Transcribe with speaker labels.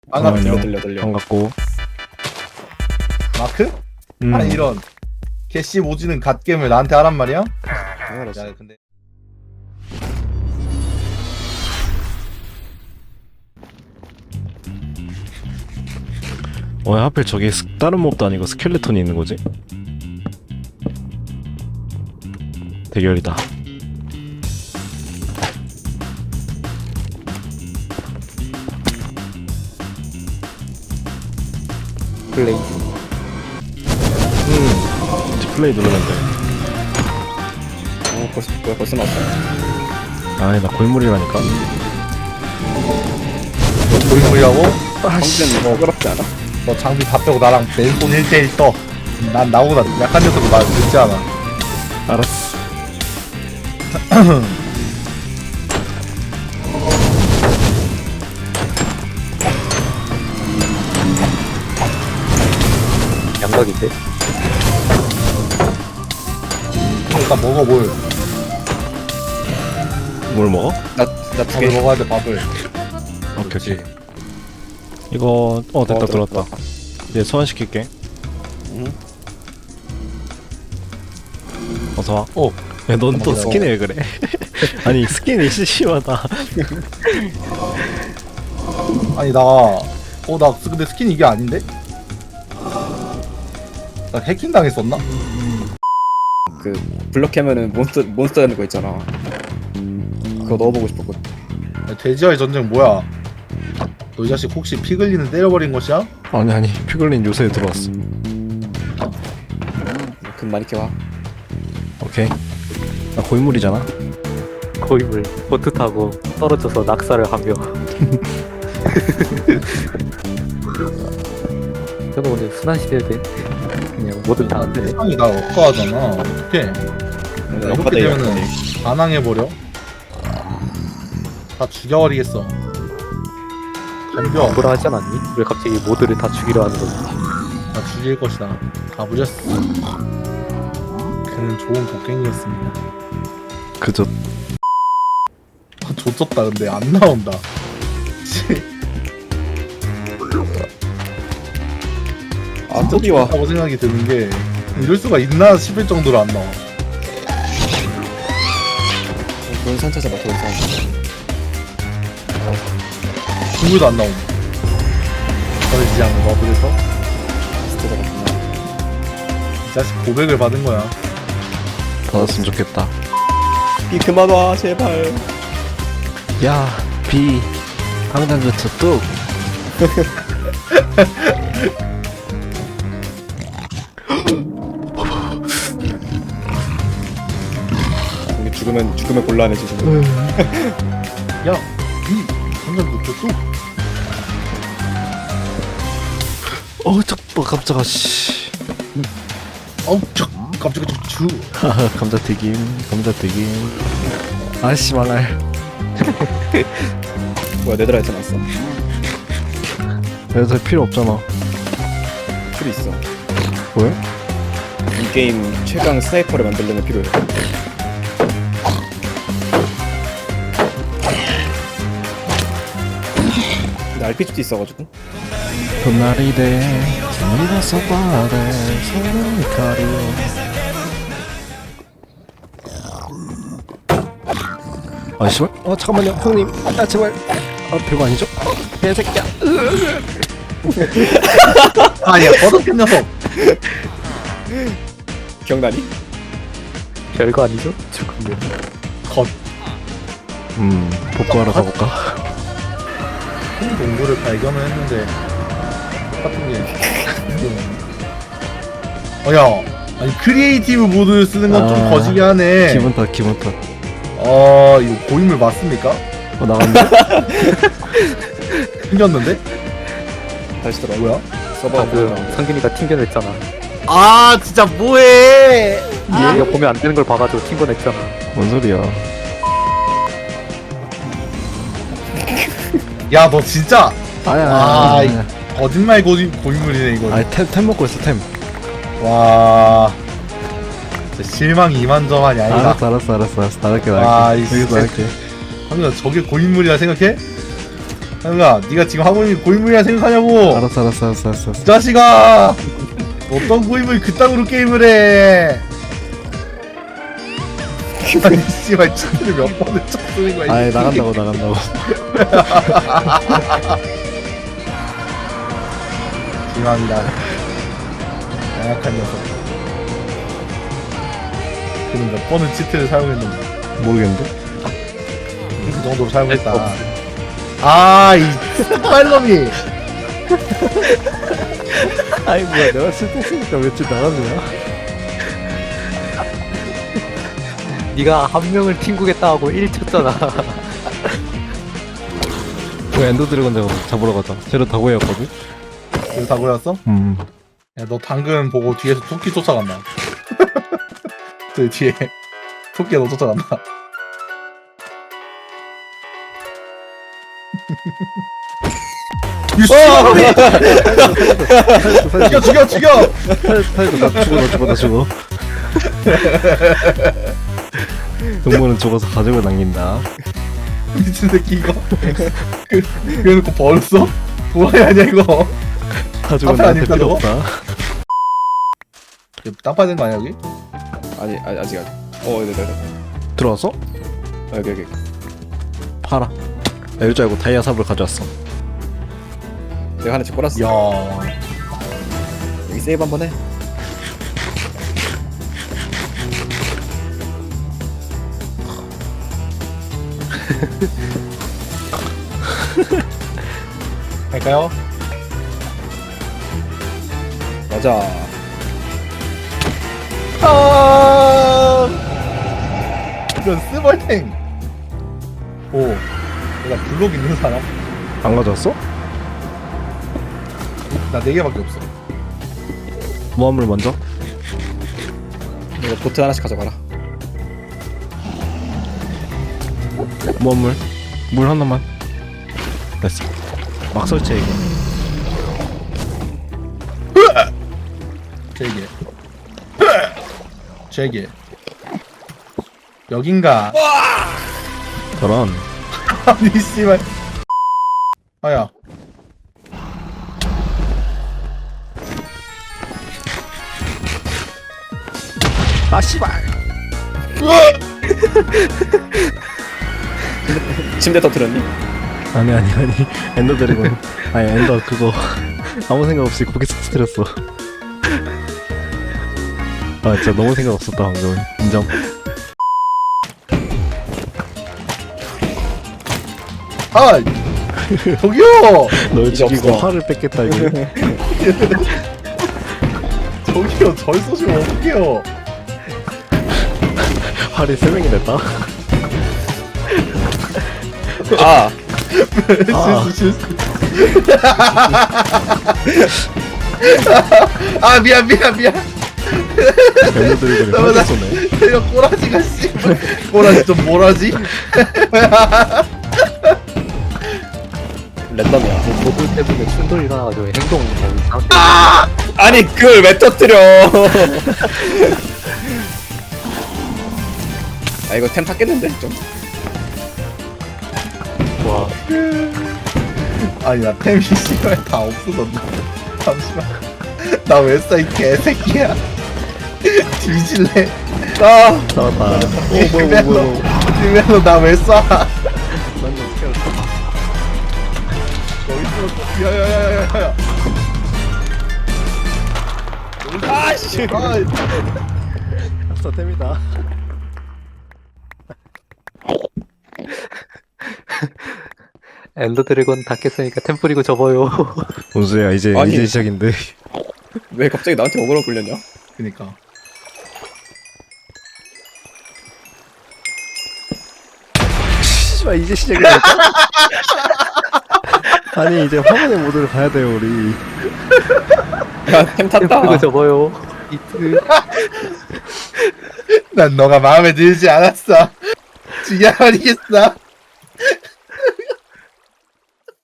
Speaker 1: 들려.
Speaker 2: 반갑고.
Speaker 1: 마크? 아니 이런 개씨 모지는 갓겜을 나한테 하란 말이야?
Speaker 3: 당연하지.
Speaker 1: 야 근데
Speaker 2: 왜 하필 저기 다른 몹도 아니고 스켈레톤이 있는 거지? 대결이다.
Speaker 3: 플레이.
Speaker 2: 디플레이 누르면 돼.
Speaker 3: 벌써 나왔어.
Speaker 2: 아니 나 골물이라니까.
Speaker 1: 너 고인물이라고?
Speaker 3: 방금 뭐 어렵지 않아?
Speaker 1: 너 장비 다 빼고 나랑 맨손 1대1 떠. 난 나보다 약한 녀석도 말 듣지 않아.
Speaker 2: 알았어.
Speaker 3: 양각인데?
Speaker 1: 일단 먹어 뭘.
Speaker 2: 뭘 먹어?
Speaker 3: 나두
Speaker 1: 밥을
Speaker 3: 개.
Speaker 1: 먹어야 돼 밥을.
Speaker 2: 오케이. 이거 됐다 들었다. 이제 소환시킬게.
Speaker 3: 응.
Speaker 2: 어서 와.
Speaker 1: 오.
Speaker 2: 야, 넌 또
Speaker 1: 고마워.
Speaker 2: 스킨이 왜 그래? 아니 스킨이 심하다.
Speaker 1: 아니 나 근데 스킨 이게 아닌데? 나 해킹 당했었나?
Speaker 3: 그 블럭하면은 몬스터 되는 거 있잖아. 그거 넣어보고 싶었거든.
Speaker 1: 야, 돼지와의 전쟁 뭐야? 너 이 자식 혹시 피글리는 때려버린 것이야?
Speaker 2: 아니 피글린 요새 들어왔어.
Speaker 3: 금 많이 캐와.
Speaker 2: 오케이. 나 고인물이잖아.
Speaker 4: 고인물 보트 타고 떨어져서 낙사를 하며 저거 오늘 순환시켜야 돼. 그냥 뭐든 다 안 되네.
Speaker 1: 세상이 날 억까하잖아. 어떡해. 이렇게 되면은 반항해버려? 다 죽여버리겠어. 덤벼.
Speaker 4: 뭐라 하지 않았니? 왜 갑자기 모두를 다 죽이려 하는 거지?
Speaker 1: 다 죽일 것이다. 가부렸어. 그는 좋은 곡괭이였습니다.
Speaker 2: 그저
Speaker 1: 조졌다. 근데 안 나온다.
Speaker 3: 아 드디어.
Speaker 1: 라고 생각이 드는 게 이럴 수가 있나 싶을 정도로 안 나와.
Speaker 3: 돈 산차자 봐. 돈 산.
Speaker 1: 국물도 안 나오네. 버리지 않는 거 그래서
Speaker 3: 진짜 잘했구나.
Speaker 1: 이 자식 고백을 받은 거야.
Speaker 2: 받았으면 좋겠다.
Speaker 3: 이 그만 와 제발.
Speaker 2: 야, 비 황당그트 뚝.
Speaker 3: 우리 죽으면 곤란해지 지금.
Speaker 1: 야, 이 한잔부터 또
Speaker 2: 깜짝아 씨.
Speaker 1: 갑자기 좀 주.
Speaker 2: 감자튀김. 아씨 망할.
Speaker 3: 뭐야 네드라이트 났어.
Speaker 2: 그래서 필요 없잖아.
Speaker 3: 필요 있어.
Speaker 2: 왜?
Speaker 3: 이 게임 최강 스나이퍼를 만들려면 필요해. 근데 RPG도 있어가지고.
Speaker 2: 봄날이 돼 재미나서 바래 서로의 가리. 아 씨발. 잠깐만요 형님. 아 제발. 별거 아니죠? 개새끼야.
Speaker 1: 아니야, 버릇된 녀석.
Speaker 3: 기억나니?
Speaker 4: 별거 아니죠? 죽으면
Speaker 1: 겉.
Speaker 2: 복구하러 가볼까?
Speaker 1: 큰 동굴을 발견을 했는데 똑같은 게. 야, 아니 크리에이티브 모드를 쓰는 건 좀 거시기 하네.
Speaker 2: 기분 탓.
Speaker 1: 이거 고인물 맞습니까?
Speaker 2: 나갔네.
Speaker 1: 생겼는데?
Speaker 3: 다시 들어.
Speaker 1: 뭐야?
Speaker 3: 서버
Speaker 4: 방금 상균이가 튕겨냈잖아.
Speaker 1: 아, 진짜 뭐해?
Speaker 4: 얘가 보면 안 되는 걸 봐가지고 튕겨냈잖아.
Speaker 2: 뭔 소리야?
Speaker 1: 야, 너 진짜
Speaker 2: 아야.
Speaker 1: 거짓말 고인물이네 이거.
Speaker 2: 아니 템 먹고 있어 템.
Speaker 1: 와, 진짜 실망이 이만저만이 아니다.
Speaker 2: 알았어. 나갈게.
Speaker 1: 아, 이
Speaker 2: 여기서
Speaker 1: 진짜.
Speaker 2: 나갈게.
Speaker 1: 황준아, 저게 고인물이라 생각해? 형아, 네가 지금 하고 있는 고인물이라 생각하냐고.
Speaker 2: 알았어.
Speaker 1: 이 자식아, 어떤 고인물이 그따구로 게임을 해. 아니 씨발 치트를 몇 번을 쳤는 거야.
Speaker 2: 아이 나간다고.
Speaker 1: 죄송합니다. 나약한 녀석. 그는 몇 번을 치트를 사용했는데
Speaker 2: 모르겠는데.
Speaker 1: 그 정도로 사용했다. 이 스파일럼이.
Speaker 2: 아이 뭐야 내가 실패했으니까 며칠 나갔냐?
Speaker 4: 네가 한 명을 튕구겠다 하고 1 쳤잖아.
Speaker 2: 그 엔더 드래곤 잡으러 가자. 쟤로 다고였거든.
Speaker 1: 이거 다 보였어? 야, 너 당근 보고 뒤에서 토끼 쫓아간다. 그 뒤에 토끼가 너 쫓아간다. 죽여!
Speaker 2: 살려줘 나 죽어. 동물은 죽어서 가족을 남긴다.
Speaker 1: 미친 새끼 이거. 그래놓고 벌써? 뭐야 아니야 이거.
Speaker 2: 가족은
Speaker 1: 앞에
Speaker 2: 나한테
Speaker 1: 아닐까,
Speaker 2: 필요
Speaker 1: 저거?
Speaker 2: 없다.
Speaker 1: 땅 파야 되는 거 아니야 여기?
Speaker 3: 아니 아직. 네네네.
Speaker 2: 들어왔어?
Speaker 3: 여기.
Speaker 2: 팔아. 나 이럴 줄 알고 다이아 삽을 가져왔어.
Speaker 3: 내가 하나 집
Speaker 1: 야.
Speaker 3: 여기 세이브 한번 해.
Speaker 1: 갈까요?
Speaker 3: 맞아.
Speaker 1: 이런 스벌탱. 오. 내가 블록 있는 사람?
Speaker 2: 안 가져왔어?
Speaker 1: 나 4개밖에 없어.
Speaker 2: 모함물 먼저.
Speaker 3: 이거 보트 하나씩 가져가라.
Speaker 2: 모함물. 물 하나만. 됐어. 막 설치해 이거.
Speaker 1: 제게. 여긴가?
Speaker 2: 저런.
Speaker 1: 아니 씨발. 아야.
Speaker 2: 아 씨발.
Speaker 3: 침대 터뜨렸니?
Speaker 2: 아니 엔더 드래곤. 아니 엔더 그거 아무 생각 없이 거기서 터뜨렸어. 아 진짜 너무 생각 없었다 방금. 인정.
Speaker 1: 저기요.
Speaker 2: 널
Speaker 3: 이제
Speaker 2: 죽이고
Speaker 3: 없어.
Speaker 2: 화를 뺏겠다 이거.
Speaker 1: 저기요. 절 쏘시면 어떡해요.
Speaker 2: 활이 3명이 됐다.
Speaker 1: 실수. 미안.
Speaker 2: 엔더 드래곤이
Speaker 1: 잠깐만,
Speaker 2: 활을 쏘네.
Speaker 1: 이거 꼬라지가 씨발. 꼬라지 좀 뭐라지?
Speaker 3: 랜덤이야.
Speaker 4: 모두 때문에 충돌이 나가지고 행동 이상하게.
Speaker 3: 아니 그걸 왜 터뜨려? 이거 템 탔겠는데 좀.
Speaker 4: 와,
Speaker 1: 아니 나 템이 씨발 다 없어졌네. 잠시만. 나 왜 써 이 개새끼야. 뒤질래.
Speaker 2: 나왔다.
Speaker 1: 뒤면서 나 왜 쏴? 여기 있어. 야야야야야.
Speaker 3: 아씨.
Speaker 2: 템이다.
Speaker 4: 엔더 드래곤 다 깼으니까 템플이고 접어요.
Speaker 2: 뭔 소리야 이제
Speaker 3: 아니.
Speaker 2: 시작인데.
Speaker 3: 왜 갑자기 나한테 어그로 끌렸냐?
Speaker 1: 그니까.
Speaker 2: 씨발 이제 시작이라니까? 아니 이제 화면의 모드를 가야 돼요 우리.
Speaker 3: 야템 탔다.
Speaker 4: 템플이고 접어요. 이트.
Speaker 1: 난 너가 마음에 들지 않았어. 죽여버리겠어.